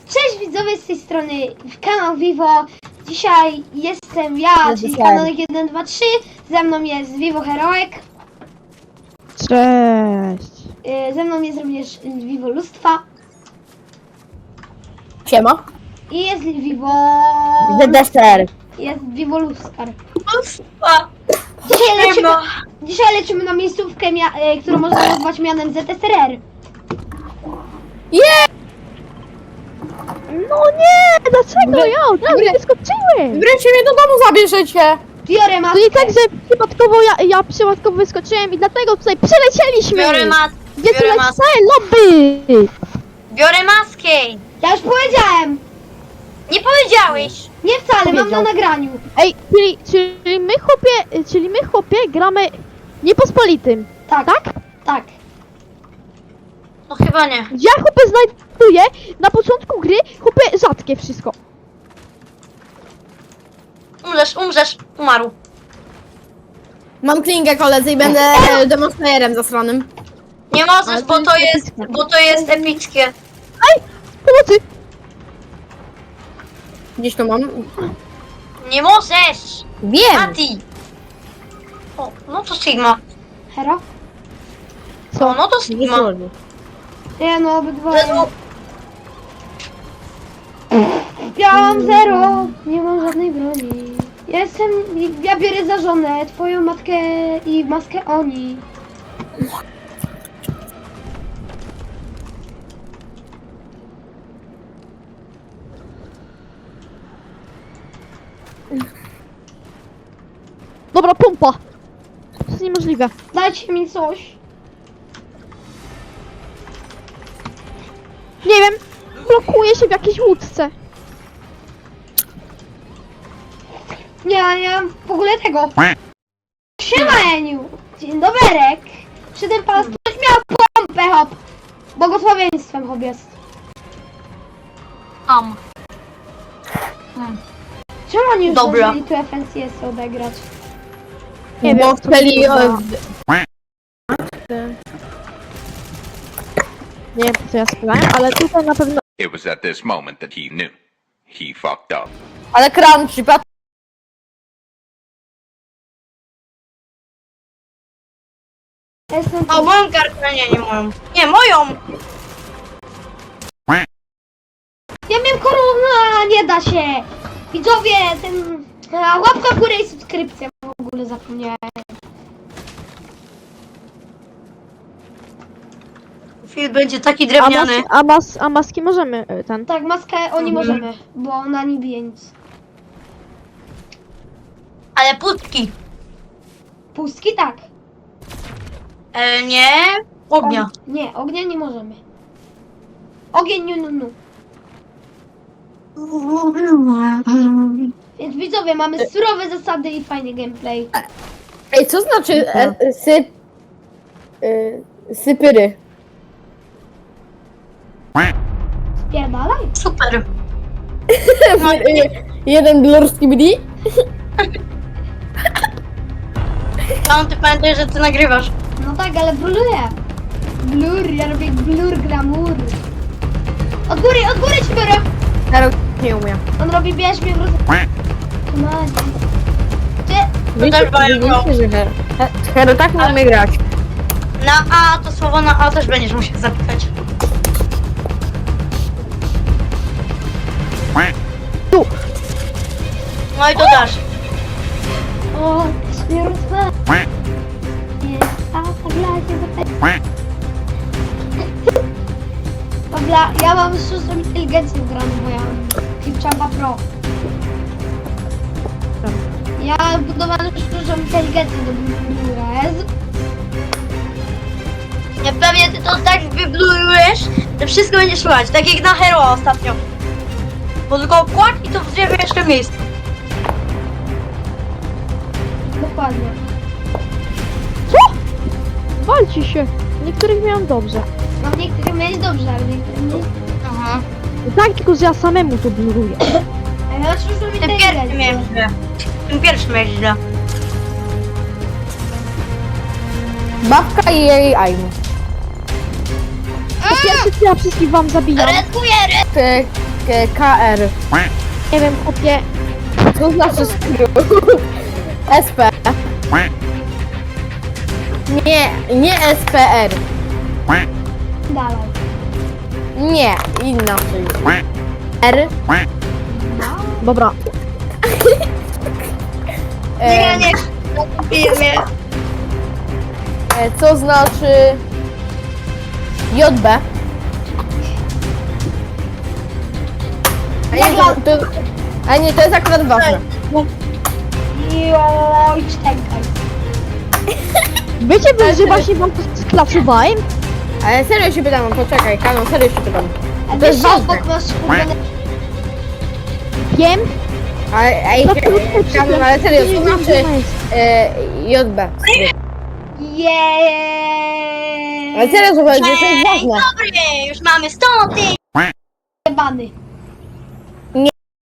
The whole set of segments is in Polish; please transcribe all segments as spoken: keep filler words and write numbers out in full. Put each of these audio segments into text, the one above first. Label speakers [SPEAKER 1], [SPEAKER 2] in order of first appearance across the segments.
[SPEAKER 1] Cześć widzowie, z tej strony kanał Vivo. Dzisiaj jestem ja, czyli Kanonik jeden dwa trzy. Ze mną jest Vivo Heroek.
[SPEAKER 2] Cześć.
[SPEAKER 1] Ze mną jest również Vivo Lustwa.
[SPEAKER 3] Siema.
[SPEAKER 1] I jest Vivo...
[SPEAKER 3] Z D S R.
[SPEAKER 1] Jest Vivo Luskar.
[SPEAKER 3] Lustwa.
[SPEAKER 1] Dzisiaj lecimy, dzisiaj lecimy na miejscówkę, mia- którą można nazwać mianem Z S R R.
[SPEAKER 3] Yeah!
[SPEAKER 2] No nie, dlaczego ja od razu wyskoczyłem?
[SPEAKER 3] Wreszcie mnie do domu zabierzecie.
[SPEAKER 1] Biorę
[SPEAKER 2] To
[SPEAKER 1] maskę.
[SPEAKER 2] nie tak, że przypadkowo ja, ja przypadkowo wyskoczyłem i dlatego tutaj przelecieliśmy.
[SPEAKER 4] Biorę maskę.
[SPEAKER 2] Gdzie tu
[SPEAKER 4] biorę
[SPEAKER 2] jest
[SPEAKER 4] maskę.
[SPEAKER 2] całe lobby?
[SPEAKER 4] Biorę maskę.
[SPEAKER 1] Ja już powiedziałem.
[SPEAKER 4] Nie powiedziałeś.
[SPEAKER 1] Nie wcale, mam
[SPEAKER 2] Powiedział.
[SPEAKER 1] na nagraniu.
[SPEAKER 2] Ej, czyli, czyli my chłopie, czyli my chłopie gramy niepospolitym,
[SPEAKER 1] Tak,
[SPEAKER 2] tak?
[SPEAKER 1] tak.
[SPEAKER 4] No chyba nie.
[SPEAKER 2] Ja chłopie znajduję na początku gry chłopie rzadkie wszystko.
[SPEAKER 4] Umrzesz, umrzesz. Umarł.
[SPEAKER 3] Mam klingę koledzy i będę e, demonstrerem zasranym.
[SPEAKER 4] Nie
[SPEAKER 2] Ale
[SPEAKER 4] możesz,
[SPEAKER 2] to
[SPEAKER 4] bo to
[SPEAKER 2] jest
[SPEAKER 4] jest,
[SPEAKER 2] epickie.
[SPEAKER 4] bo to jest epickie.
[SPEAKER 2] Ej, pomocy!
[SPEAKER 3] Gdzieś to mam.
[SPEAKER 4] Nie możesz.
[SPEAKER 3] Wiem.
[SPEAKER 4] Mati. O, no to Sigma.
[SPEAKER 1] Hero?
[SPEAKER 4] O, no to Sigma.
[SPEAKER 1] Nie no, obydwoje.
[SPEAKER 4] Jezu,
[SPEAKER 1] Ja mam zero, nie mam żadnej broni. Ja jestem, ja biorę za żonę twoją matkę i maskę Oni.
[SPEAKER 2] Dobra, pompa. To jest niemożliwe.
[SPEAKER 1] Dajcie mi coś.
[SPEAKER 2] Nie wiem, blokuję się w jakiejś łódce.
[SPEAKER 1] Nie, nie mam w ogóle tego. Siema Eniu. Dzień doberek. Przy tym pan ktoś miał pompę, hop. Błogosławieństwem hop jest.
[SPEAKER 4] am.
[SPEAKER 1] Czemu oni już
[SPEAKER 4] Dobra.
[SPEAKER 1] zdążyli tu F N C S odegrać?
[SPEAKER 2] Nie wiem,
[SPEAKER 3] Bo
[SPEAKER 2] co
[SPEAKER 3] chcieli...
[SPEAKER 2] to
[SPEAKER 3] o,
[SPEAKER 2] za- Nie wiem, co ja sprawałem, ale tutaj na pewno...
[SPEAKER 5] It was at this moment that he knew. He fucked up.
[SPEAKER 3] Ale crunchy, pat...
[SPEAKER 1] Ja jestem
[SPEAKER 4] O, moją kartę, nie, nie moją. Nie, moją.
[SPEAKER 1] Ja miałem korona, nie da się! Widzowie, ten... a, łapka w górę i subskrypcja. W ogóle zapomniałem.
[SPEAKER 4] Film będzie taki
[SPEAKER 2] A,
[SPEAKER 4] drewniany.
[SPEAKER 2] mas, a, mas, a maski możemy y, ten...
[SPEAKER 1] Tak, maskę Oni
[SPEAKER 4] Mhm.
[SPEAKER 1] możemy, bo ona nie bije nic.
[SPEAKER 4] Ale pustki.
[SPEAKER 1] Pustki tak.
[SPEAKER 4] E, nie. Ognia.
[SPEAKER 1] Og- nie, ognia nie możemy. Ogień, nie, no, no. Więc widzowie, mamy surowe zasady i fajny gameplay.
[SPEAKER 3] Ej, co znaczy e, e, syp... E, sypyry?
[SPEAKER 1] Spierdalaj.
[SPEAKER 4] Super.
[SPEAKER 3] E, Jeden blur z K B D?
[SPEAKER 4] Tam ty pamiętaj, że ty nagrywasz.
[SPEAKER 1] No tak, ale bluruję. Blur, ja robię blur, glamour. Od góry, od góry ci biorę.
[SPEAKER 3] Ja nie umiem.
[SPEAKER 1] On robi bierz mnie w roz... Madzi. Ty,
[SPEAKER 4] To też mają go.
[SPEAKER 3] Widzicie, że He- Hero tak nie umie grać.
[SPEAKER 4] Na A, to słowo na A też będziesz musiał zapisać.
[SPEAKER 2] Tu!
[SPEAKER 4] No i to dasz.
[SPEAKER 1] o, śmierdzę. Jest, a tak lacie do tego. Dobra, ja mam sztuczną inteligencję wgraną, bo ja mam Clipchampa Pro. Ja budowałem sztuczną inteligencję do biura. Jezu.
[SPEAKER 4] Nie, pewnie ty to tak wyblurujesz, że wszystko będzie słychać, tak jak na Hero ostatnio. Bo tylko kłak i to w drzewie jeszcze miejsce.
[SPEAKER 1] Dokładnie.
[SPEAKER 2] Co? Walcie się. Niektórych miałem dobrze.
[SPEAKER 1] No niektórych miałeś dobrze, ale niektórych nie.
[SPEAKER 4] Aha.
[SPEAKER 2] Tak, tylko że ja samemu to bluruję.
[SPEAKER 1] A ja mam sztuczną
[SPEAKER 4] Tym pierwszym miałem
[SPEAKER 1] inteligencję.
[SPEAKER 4] źle. Tym pierwszym miałem źle.
[SPEAKER 3] Babka i jej Aim.
[SPEAKER 2] Po pierwsze, to ja wszystkich wam zabijam.
[SPEAKER 4] Redkuję, red...
[SPEAKER 3] Ty, K- KR.
[SPEAKER 2] Nie wiem, chłopie.
[SPEAKER 3] Co znaczy skrót? S P. Nie, nie S P R.
[SPEAKER 1] Dalej.
[SPEAKER 3] Nie, inaczej. R.
[SPEAKER 2] Dobra.
[SPEAKER 4] Nie,
[SPEAKER 3] E,
[SPEAKER 4] nie, filmie.
[SPEAKER 3] e, co znaczy J B? A nie, to, to, a nie, to jest akurat ważne.
[SPEAKER 1] Joj, czekaj.
[SPEAKER 2] Wiecie, wy, że właśnie wam to sklacowałem?
[SPEAKER 3] Ale serio się pytam, poczekaj, Kano, serio się pytam.
[SPEAKER 1] A
[SPEAKER 3] To jest
[SPEAKER 1] wiesz, że
[SPEAKER 3] ważne.
[SPEAKER 1] obok masz kupione...
[SPEAKER 2] Wiem.
[SPEAKER 3] Ale, ej,
[SPEAKER 2] To krótko
[SPEAKER 3] Kano, ale serio, co znaczy e, J B?
[SPEAKER 1] Jeee.
[SPEAKER 3] Ale serio, słuchaj, to jest
[SPEAKER 4] Dzień
[SPEAKER 3] ważne.
[SPEAKER 4] dobry, już mamy stąd.
[SPEAKER 1] Jebany.
[SPEAKER 3] Nie.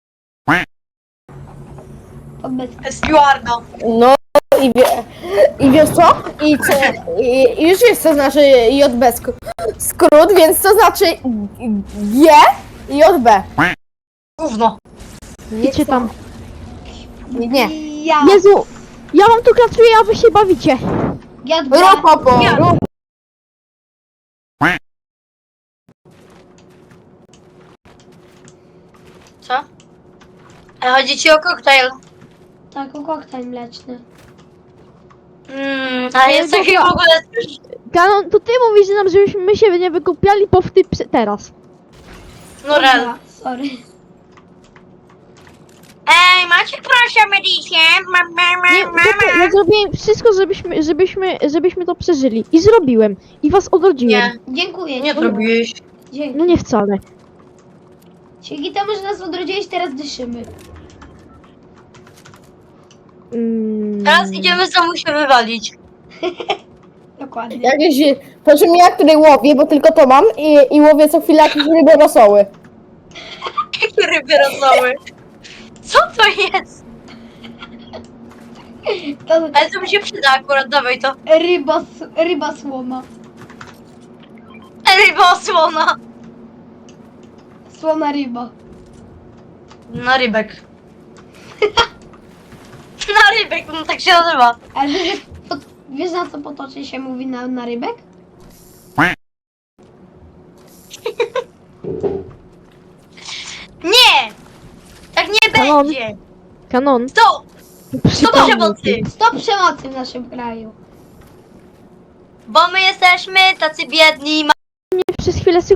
[SPEAKER 1] Odbyt.
[SPEAKER 4] Stewardo.
[SPEAKER 3] No i, wie, i wiesz co? I, co i, i już wiesz co znaczy J B sk- skrót, więc co znaczy G i J B?
[SPEAKER 4] Gówno.
[SPEAKER 2] Idźcie tam.
[SPEAKER 3] Nie.
[SPEAKER 1] Ja.
[SPEAKER 2] Jezu! Ja wam tu klacuję, a wy się bawicie.
[SPEAKER 1] Ja
[SPEAKER 3] Rób popo,
[SPEAKER 4] Ja.
[SPEAKER 3] rób.
[SPEAKER 4] Co? Ale chodzi ci o koktajl.
[SPEAKER 1] Tak, o koktajl mleczny.
[SPEAKER 4] Mmm, ale jest taki w ogóle...
[SPEAKER 2] Kanon, to ty mówisz nam, żebyśmy my się nie wykupiali po wtyp teraz.
[SPEAKER 4] No rel.
[SPEAKER 1] Dobra, sorry.
[SPEAKER 4] Ej, macie proszę medicję? Ma, ma, ma,
[SPEAKER 2] Nie,
[SPEAKER 4] ma,
[SPEAKER 2] chłopie,
[SPEAKER 4] ma.
[SPEAKER 2] ja zrobiłem wszystko, żebyśmy, żebyśmy, żebyśmy to przeżyli. I zrobiłem. I was odrodziłem.
[SPEAKER 4] Nie,
[SPEAKER 1] Dziękuję.
[SPEAKER 4] nie zrobiłeś.
[SPEAKER 1] Dzięki.
[SPEAKER 2] No nie wcale.
[SPEAKER 1] Dzięki temu, że nas odrodziłeś, teraz dyszymy.
[SPEAKER 2] Mm.
[SPEAKER 4] Teraz idziemy znowu się wywalić.
[SPEAKER 1] Dokładnie.
[SPEAKER 3] Jakieś, po czym ja, który łowię, bo tylko to mam i, i łowię co chwilę jakieś ryby rosoły.
[SPEAKER 4] Jakie ryby rosnęły? Co to jest?
[SPEAKER 1] To
[SPEAKER 4] Ale to mi się przyda akurat, dawaj to.
[SPEAKER 1] ryba, s- ryba słoma.
[SPEAKER 4] Ryba osłona.
[SPEAKER 1] Słona ryba.
[SPEAKER 4] Na rybek. Na rybek, no tak się nazywa.
[SPEAKER 1] Ale wiesz, że po, wiesz na co potocznie się mówi na, na rybek?
[SPEAKER 4] Nie! Tak nie
[SPEAKER 2] Kanon.
[SPEAKER 4] będzie!
[SPEAKER 2] Kanon.
[SPEAKER 4] Stop! Stop przemocy!
[SPEAKER 1] Stop przemocy w naszym kraju.
[SPEAKER 4] Bo my jesteśmy tacy biedni. Ma...
[SPEAKER 2] Nie przez chwilę sy...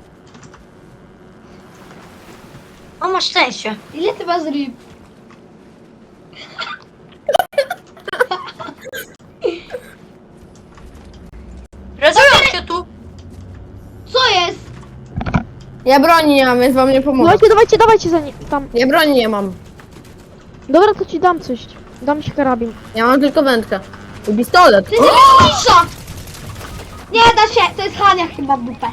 [SPEAKER 4] O, masz szczęście.
[SPEAKER 1] Ile ty masz ryb?
[SPEAKER 4] Rozumiem się tu.
[SPEAKER 1] Co jest?
[SPEAKER 3] Ja broni nie mam, więc wam nie pomogę.
[SPEAKER 2] Dawajcie, dawajcie, dawajcie za nie... tam.
[SPEAKER 3] Ja broni nie mam.
[SPEAKER 2] Dobra, to ci dam coś. Dam ci karabin.
[SPEAKER 3] Ja mam tylko wędkę. I pistolet.
[SPEAKER 1] Ty nie cisza! Nie da się, to jest Hania chyba w dupę.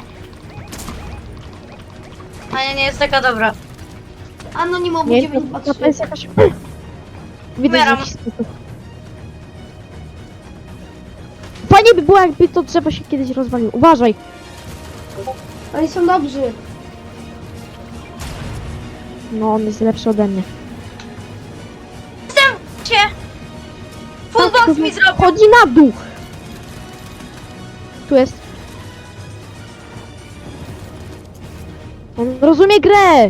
[SPEAKER 4] A ja nie jest taka dobra.
[SPEAKER 1] Anonimowo
[SPEAKER 2] Nie,
[SPEAKER 1] dziewięć
[SPEAKER 2] to,
[SPEAKER 1] dwa
[SPEAKER 2] to jest
[SPEAKER 1] trzy.
[SPEAKER 2] jakaś... Widać,
[SPEAKER 4] Umieram.
[SPEAKER 2] że wszystko. Fajnie by było, jakby to drzewo się kiedyś rozwaliło. Uważaj.
[SPEAKER 1] Oni są dobrzy.
[SPEAKER 2] No, on jest lepszy ode mnie.
[SPEAKER 4] Jestem cię. Full box mi zrobił.
[SPEAKER 2] Chodzi na dół. Tu jest. On rozumie grę.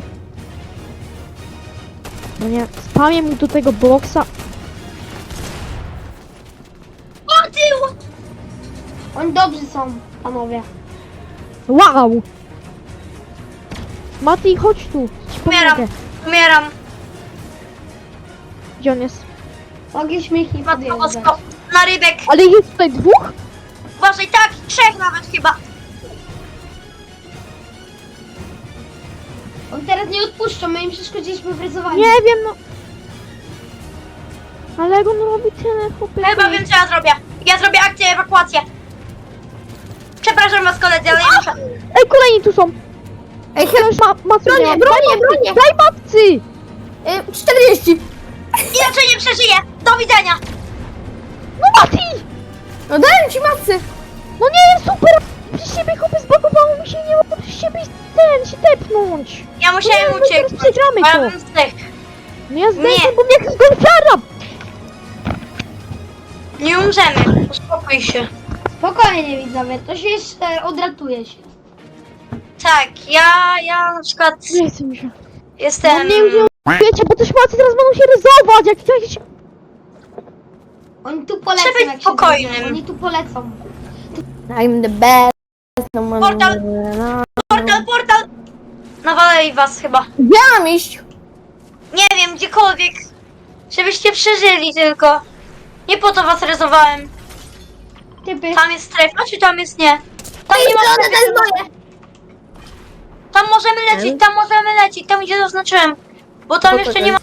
[SPEAKER 2] No nie, spamię mu do tego boksa.
[SPEAKER 4] O ty!
[SPEAKER 1] Oni dobrzy są, panowie.
[SPEAKER 2] Wow! Mati, chodź tu. Ci
[SPEAKER 4] Umieram.
[SPEAKER 2] pomogę.
[SPEAKER 4] Umieram.
[SPEAKER 2] Gdzie on jest?
[SPEAKER 1] Mogliśmy ich nie
[SPEAKER 4] Matko
[SPEAKER 1] podjeżdżać.
[SPEAKER 4] bosko. Na rybek.
[SPEAKER 2] Ale jest tutaj dwóch?
[SPEAKER 4] Uważaj, tak, trzech nawet chyba.
[SPEAKER 1] Oni teraz nie odpuszczą, my im przeszkodziliśmy w rysowaniu.
[SPEAKER 2] Nie wiem, no. Ale jak on robi tyle, chłopie.
[SPEAKER 4] Chyba wiem, co ja zrobię. Ja zrobię akcję ewakuację. Przepraszam was, koledzy, ale ja muszę.
[SPEAKER 2] Ej, kolejni tu są.
[SPEAKER 3] Ej,
[SPEAKER 2] Ja już ma, ma
[SPEAKER 3] Bronię, bronię, bronię.
[SPEAKER 2] Daj babcy!
[SPEAKER 3] e, czterdzieści.
[SPEAKER 4] Inaczej nie przeżyję. Do widzenia.
[SPEAKER 2] No Mati!
[SPEAKER 3] No dałem ci matcy.
[SPEAKER 2] No nie, super! przez ciebie chłopie zbagowało mi się, nie mogę przez ciebie ten, się tepnąć.
[SPEAKER 4] Ja musiałem
[SPEAKER 2] No, no, teraz
[SPEAKER 4] ucieknąć.
[SPEAKER 2] przegramy
[SPEAKER 4] bo ja
[SPEAKER 2] to.
[SPEAKER 4] bym zdechł.
[SPEAKER 2] No ja zdejmę,
[SPEAKER 4] Nie.
[SPEAKER 2] bo mnie jest golfiara.
[SPEAKER 4] Nie umrzemy. Uspokój się.
[SPEAKER 1] Spokojnie widzowie, to się jeszcze odratuje się.
[SPEAKER 4] Tak, ja, ja na przykład
[SPEAKER 2] Nie chcę mi się.
[SPEAKER 4] jestem...
[SPEAKER 2] No nie wiem, wiecie, bo te szmaty teraz będą się ryzować, jak jakieś...
[SPEAKER 1] Oni tu polecą
[SPEAKER 4] Trzeba być
[SPEAKER 1] jak się
[SPEAKER 4] spokojnym.
[SPEAKER 1] zrobią. Oni tu polecą.
[SPEAKER 3] I'm the best. No, no,
[SPEAKER 4] Portal.
[SPEAKER 3] no.
[SPEAKER 4] Portal, portal! Nawalej was chyba.
[SPEAKER 3] Gdzie mam iść?
[SPEAKER 4] Nie wiem, gdziekolwiek. Żebyście przeżyli tylko. Nie po to was rezowałem.
[SPEAKER 1] Typy.
[SPEAKER 4] Tam jest strefa, czy tam jest nie? Tam nie ma
[SPEAKER 3] Strony, to jest
[SPEAKER 4] strefy.
[SPEAKER 3] moje.
[SPEAKER 4] Tam możemy lecieć, tam możemy lecieć, tam gdzie zaznaczyłem. Bo tam jeszcze nie ma...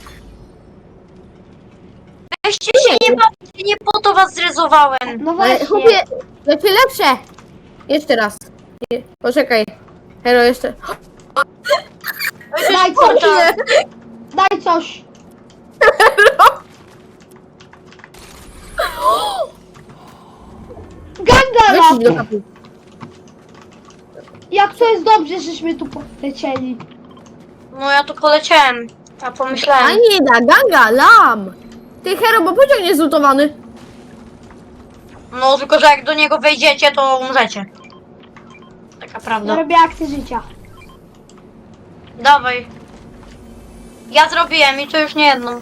[SPEAKER 4] Weźcie się, nie bawcie, nie po to was zrezowałem.
[SPEAKER 1] No
[SPEAKER 3] Ale
[SPEAKER 1] właśnie.
[SPEAKER 3] chłopie, lepsze, lepsze. Jeszcze raz. Je- Poczekaj. Hero, jeszcze.
[SPEAKER 1] Daj coś.
[SPEAKER 4] Portal.
[SPEAKER 1] Daj coś. Gangala!
[SPEAKER 3] Wyjdź do kapu.
[SPEAKER 1] Jak to jest dobrze, żeśmy tu polecieli.
[SPEAKER 4] No ja tu poleciałem. Ja pomyślałem.
[SPEAKER 3] A nie da, ganga, lam. Ty, Hero, bo pociąg nie zlutowany.
[SPEAKER 4] No tylko, że jak do niego wejdziecie, to umrzecie. Taka
[SPEAKER 1] Ja
[SPEAKER 4] prawda.
[SPEAKER 1] robię akcję życia.
[SPEAKER 4] Dawaj. Ja zrobiłem i to już nie jedną.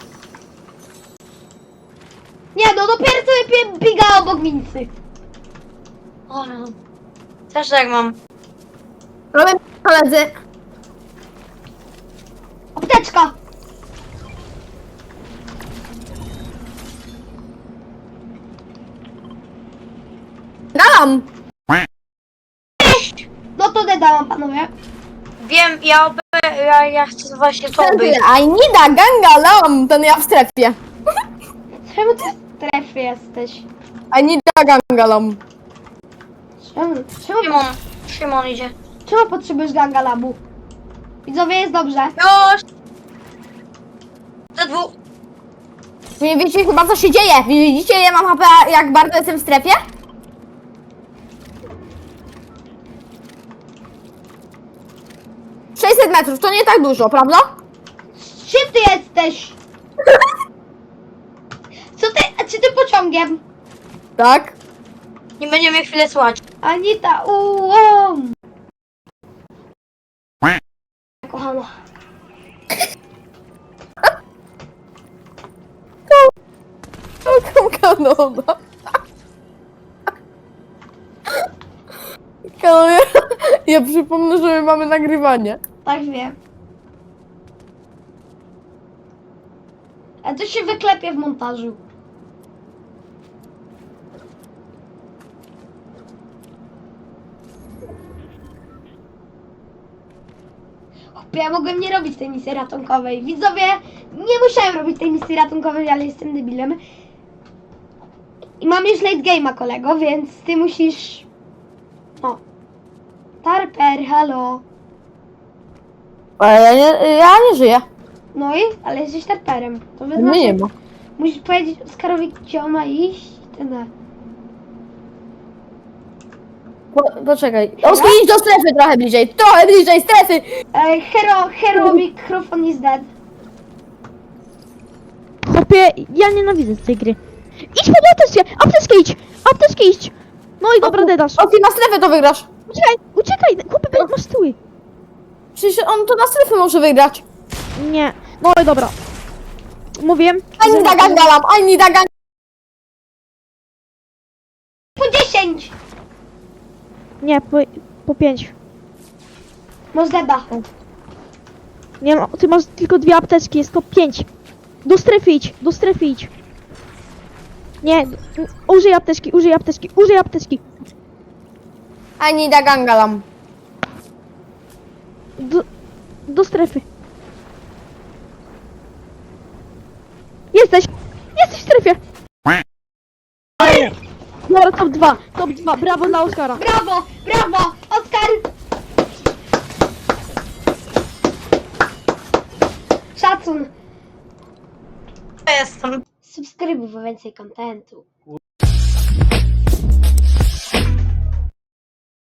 [SPEAKER 1] Nie no, dopiero sobie biega obok Mincy.
[SPEAKER 4] O, no. Też tak mam.
[SPEAKER 3] Robię, koledzy.
[SPEAKER 1] Apteczka.
[SPEAKER 3] Galam.
[SPEAKER 1] No to dodałam panowie.
[SPEAKER 4] Wiem, ja ob... ja, ja chcę właśnie to obejść.
[SPEAKER 3] I need a ganga, lam. Ten ja w strefie.
[SPEAKER 1] Czemu ty w strefie jesteś?
[SPEAKER 3] I need a ganga, lam.
[SPEAKER 1] Czemu, czemu,
[SPEAKER 4] Szymon, Szymon idzie.
[SPEAKER 1] czemu potrzebujesz ganga labu? Widzowie, jest dobrze.
[SPEAKER 4] Już! Te dwóch.
[SPEAKER 3] Nie wiecie chyba co się dzieje. Widzicie, ja mam H P jak bardzo jestem w strefie? sześćset metrów, to nie tak dużo, prawda?
[SPEAKER 1] Czym ty jesteś? Co ty, a czy ty pociągiem?
[SPEAKER 3] Tak.
[SPEAKER 4] Nie będziemy chwilę słuchać.
[SPEAKER 1] Anita, ułom. Kochana.
[SPEAKER 3] Kanona. Kanona. Ja przypomnę, że my mamy nagrywanie.
[SPEAKER 1] Tak wiem. A to się wyklepie w montażu. Chłopie, ja mogłem nie robić tej misji ratunkowej. Widzowie, nie musiałem robić tej misji ratunkowej, ale jestem debilem. I mam już late game'a, kolego, więc ty musisz... O. Tarper, halo.
[SPEAKER 3] Ale ja nie, ja nie żyję.
[SPEAKER 1] No i? Ale jesteś tarperem. To
[SPEAKER 3] Mnie
[SPEAKER 1] znaczy,
[SPEAKER 3] nie ma.
[SPEAKER 1] musisz powiedzieć Oskarowi, gdzie on ma iść. Tyle.
[SPEAKER 3] Po, poczekaj. Oski, idź do strefy trochę bliżej. Trochę bliżej strefy.
[SPEAKER 1] Ej, hero, hero, mikrofon is dead.
[SPEAKER 2] Chłopie, ja nienawidzę tej gry. Idź pod apteczkę, apteczkę idź, apteczkę idź. No i dobra, dedasz.
[SPEAKER 3] Oski, na strefę to wygrasz.
[SPEAKER 2] Uciekaj, uciekaj, chłopie, bo masz tyły.
[SPEAKER 3] Przecież on to na strefę może wygrać.
[SPEAKER 2] Nie, no i dobra. Mówiłem.
[SPEAKER 3] I need a ganga, lam. I need a ganga.
[SPEAKER 1] Po dziesięć!
[SPEAKER 2] Nie, po, po pięć.
[SPEAKER 1] Masz deda.
[SPEAKER 2] Nie no, ty masz tylko dwie apteczki, jest to pięć. Do strefy idź, do strefy idź. Nie, użyj apteczki, użyj apteczki, użyj apteczki.
[SPEAKER 3] I need a ganga, lam.
[SPEAKER 2] Do, do strefy. Jesteś! Jesteś w strefie! Dobra, top dwa, top dwa, brawo dla Oskara.
[SPEAKER 1] Brawo, brawo, Oskar! Szacun.
[SPEAKER 4] Ja jestem.
[SPEAKER 1] Subskrybuj po więcej kontentu.